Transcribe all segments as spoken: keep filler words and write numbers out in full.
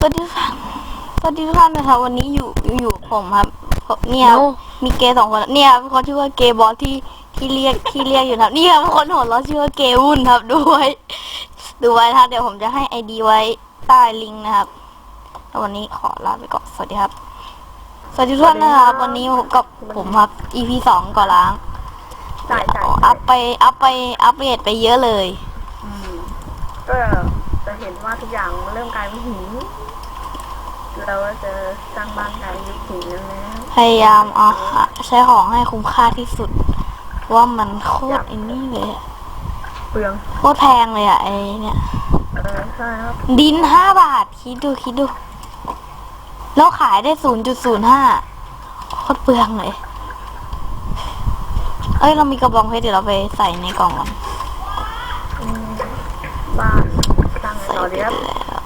วัสดีค่ะสวัสดีทุกท่านนะครับวันนี้อยู่อยู่กับผมครับเนี่ยมีเกย์สองคนเนี่ยเป็นคนชื่อว่าเกย์บอสที่ที่เรียกที่เรียกอยู่ครับเนี่ยเป็นคนหัวเราะชื่อว่าเกย์วุ่นครับดูไว้ดูไว้นะครับเดี๋ยวผมจะให้ไอดีไว้ใต้ลิงก์นะครับแล้ววันนี้ขอลาไปก่อนสวัสดีครับสวัสดีทุกท่านนะครับวันนี้ผมกับผมครับ อี พี สองก่อล้างอัพไปอัพไปอัพเดตไปเยอะเลยก็จะเห็นว่าทุกอย่างเริ่มกลายเป็นหินเราจะสร้างบ้านกลายเป็นหินแล้วนะพยายามอ่ะใช้ของให้คุ้มค่าที่สุดว่ามันโคตรไอ้นี่เลยเปลืองโคตรแพงเลยอ่ะไอ้เนี่ยเออใช่ครับดินห้าบาทคิดดูคิดดูแล้วขายได้ศูนย์จุดศูนย์ห้าโคตรเปลืองเลยเอ้ยเรามีกระบองเพชรเดี๋ยวเราไปใส่ในกล่องก่อนบ้านสร้างต่อเดียว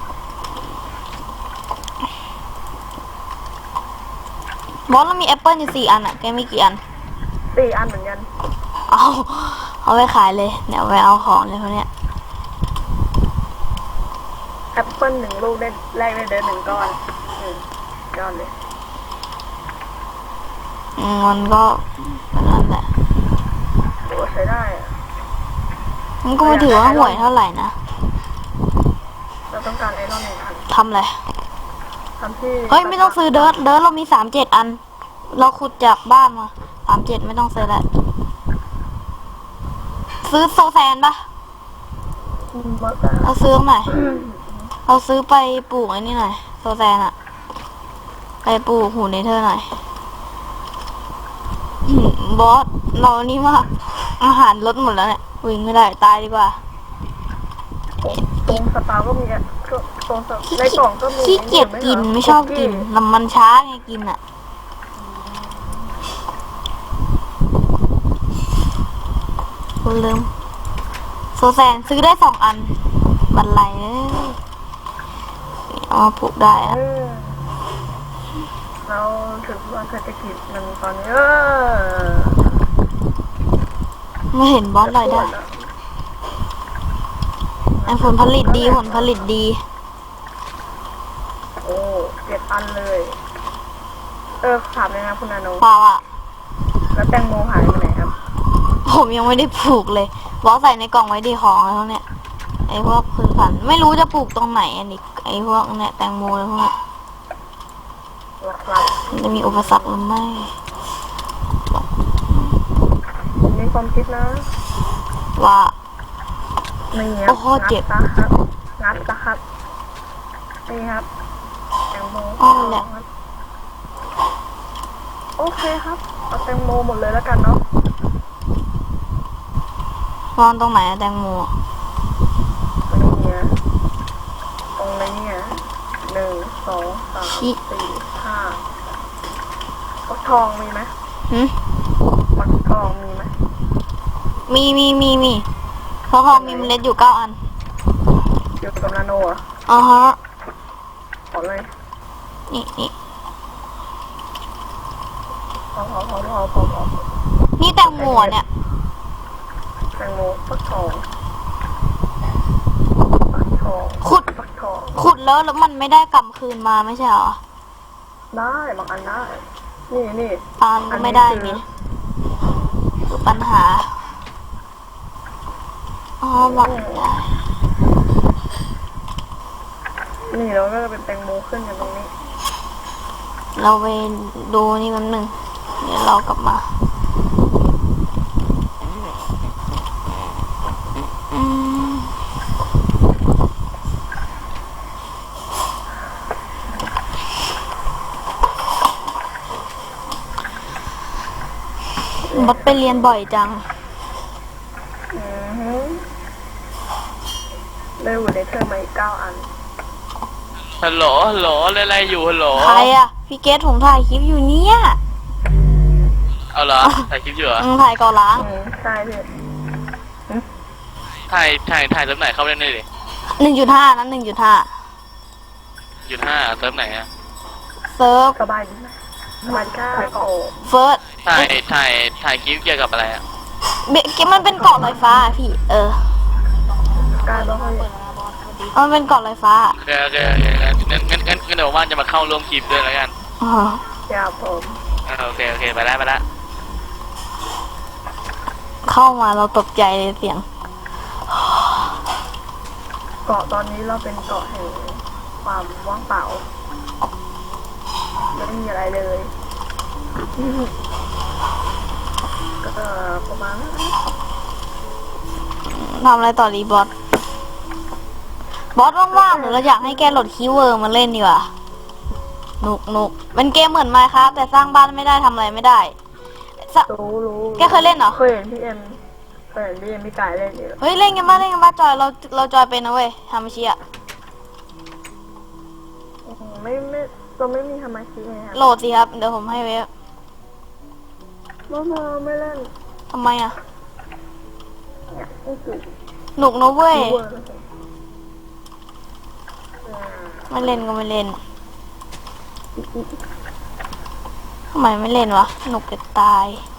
บอสเรามีแอปเปิลอยู่สี่อันอ่ะแกมีกี่อันสี่อันเหมือนกันเอาเอาไปขายเลยเดี๋ยวไปเอาของเลยพวกเนี้ยแอปเปิลหนึ่งลูกได้แรกได้เดินหนึ่งก้อนอืมก้อนเลยมันก็นั่นแหละโอ้ใช้ได้มันก็ไม่ถือว่าห่วยเท่าไหร่นะเราต้องการไอรอนหนึ่งอันทำอะไรทำที่เฮ้ยไม่ต้องซื้อเดิร์ดเดิร์ดเรามีสามเจ็ดอันเราขุดจากบ้านมาสามเจ็ดไม่ต้องซื้อแล้วซื้อโซแซนปะเราซื้อหน่อยเราซื้อไปปลูกไอ้นี่หน่อยโซแซนอะไปปลูกหูเนเธอร์หน่อยบอสเรานี่มากอาหารลดหมดแล้วเนี่ยวิ่งไม่ได้ตายดีกว่าตรงสตาร์ก็มีอ่ะตรงในกล่องก็มีขี้เกียจกินไม่ชอบกินลำมันช้าไงกินอ่ะคุณลืมโซแซนซื้อได้สองอันบันไลเลยเอามาปลูกได้อะเราถือว่าเศรษฐกิจมันตอนนี้เออไม่เห็นบอสเลยได้ไอ้ผลผลิตดีผลผลิตดีโอ้เจ็ดอันเลยเออถามเลยนะคุณนาโนเปล่าอ่ะแล้วแตงโมหายไปไหนครับผมยังไม่ได้ปลูกเลยบอสใส่ในกล่องไว้ดีของแล้วเนี่ยไอ้พวกพืชพันธุ์ไม่รู้จะปลูกตรงไหนอันนี้ไอ้พวกเนี่ยแตงโมอะไรพวกนี้จะมีอุปสรรคหรือไม่มีความคิดนะว่าไม่เงี้ยโอ้โหเจ็บครับงัดนะครับนี่ครับแตงโมอ๋อแหละโอเคครับเอาแตงโมหมดเลยแล้วกันเนาะวางตรงไหนแตงโมตรงนี้ตรงนี้หนึ่งสองสามสี่ห้าฟักทองมีไหมหืมฟักทองมีไหมมีมีมีมีฟักทองมีเมล็ดอยู่เก้าอันอยู่กับนาโนอ่ะอ๋อฮะขอเลยนี่นี่พอพอพอพอพอพอนี่แตงโมเนี่ยแตงโมฟักทองฟักทองขุดฟักทองขุดแล้วแล้วมันไม่ได้กลับคืนมาไม่ใช่เหรอได้บางอันได้นี่นี่บางก็ไม่ได้มีคือปัญหาอ๋อบอกได้นี่เราก็จะเป็นแตงโมขึ้นกันตรงนี้เราไปดูนี่มันหนึ่งเดี๋ยวเรากลับมาบัดไปเรียนบ่อยจังได้อยู่ในเทอมมาอีกเก้าอันฮัลโหลฮัลโหลอะไรอยู่ฮัลโหลใครอะพี่เกสผมถ่ายคลิปอยู่เนี่ยเอาเหรอถ่ายคลิปอยู่เหรอถ่ายก่อล้างใช่พี่ถ่ายถ่ายถ่ายเซิร์ฟไหนเข้าไปเล่นได้ดิหนึ่งจุดห้านั้นหนึ่งจุดห้าจุดห้าเซิร์ฟไหนอะเซิร์ฟสบายดีไหมสบายก้าโอ้เฟิร์สถ่ายถ่ายถ่ายคลิปเกี่ยวกับอะไรอะเบกมันเป็นเกาะลอยฟ้าพี่เออการบ้านมันเป็นเกาะลอยฟ้าโอเคโอเคโอเคงั้นงั้นงั้นว่างๆจะมาเข้าร่วมคลิปด้วยแล้วกันอ๋ออย่าผมเออโอเคโอเคไปแล้วไปแล้วเข้ามาเราตกใจเลยเสียงเกาะตอนนี้เราเป็นเกาะแห่งความว่างเปล่าไม่มีอะไรเลยก็ประมาณนั้นทำอะไรต่อดีบอส บอสว่างๆหรือเราอยากให้แกโหลดคีย์เวิร์ดมาเล่นดีกว่าหนุกหนุกเป็นเกมเหมือนไมค์ครับแต่สร้างบ้านไม่ได้ทำอะไรไม่ได้สะรู้รู้แกเคยเล่นเหรอเคยเห็นพี่เอ็มเคยเห็นพี่เอ็มพี่กายเล่นอยู่เฮ้ยเล่นกันบ้างเล่นกันบ้างจอยเราเราจอยเป็นนะเว้ยทำเชียอืมไม่ไม่เราไม่มีสมาธิไงครับโหลดสิครับเดี๋ยวผมให้เว็บไม่ไม่ไม่เล่นทำไมอ่ะเนี่ยไม่ถูกหนุกนะเว้ยคีย์เวิร์ดนะครับอืมไม่เล่นก็ไม่เล่นทำไมไม่เล่นวะหนุกจะตาย